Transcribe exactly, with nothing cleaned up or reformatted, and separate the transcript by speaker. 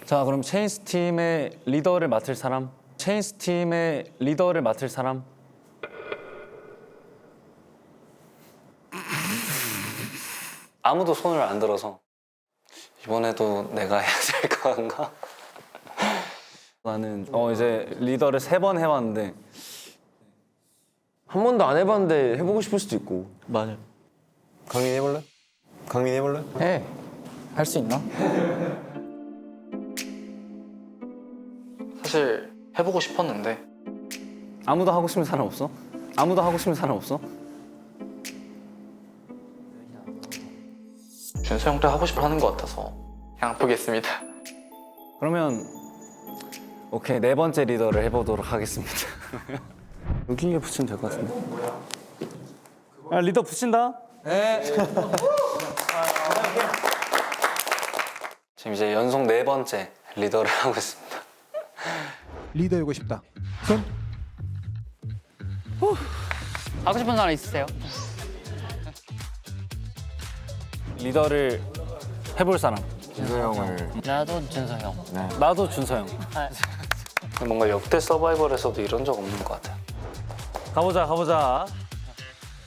Speaker 1: 자, 그럼 체인스 팀의 리더를 맡을 사람. 체인스 팀의 리더를 맡을 사람. 아무도 손을 안 들어서 이번에도 내가 해야 될 건가? 나는 어 이제 리더를 세 번 해봤는데
Speaker 2: 한 번도 안 해봤는데 해보고 싶을 수도 있고.
Speaker 1: 맞아.
Speaker 2: 강민 해볼래? 강민 해볼래?
Speaker 3: 해. 할 수 있나?
Speaker 4: 사실 해보고 싶었는데
Speaker 1: 아무도 하고 싶은 사람 없어? 아무도 하고 싶은 사람 없어?
Speaker 4: 준서 형도 하고 싶어 하는 것 같아서 그냥 보겠습니다.
Speaker 1: 그러면 오케이, 네 번째 리더를 해보도록 하겠습니다. 여기에 붙이면 될 것 같은데. 아, 리더 붙인다. 네. 지금 이제 연속 네 번째 리더를 하고 있습니다.
Speaker 5: 리더이고 싶다. 손.
Speaker 6: 하고 싶은 사람 있으세요?
Speaker 1: 리더를 해볼 사람.
Speaker 2: 준서 형을.
Speaker 6: 나도 준서 형.
Speaker 1: 나도 준서 형.
Speaker 4: 뭔가 역대 서바이벌에서도 이런 적 없는 것 같아요.
Speaker 1: 가보자, 가보자.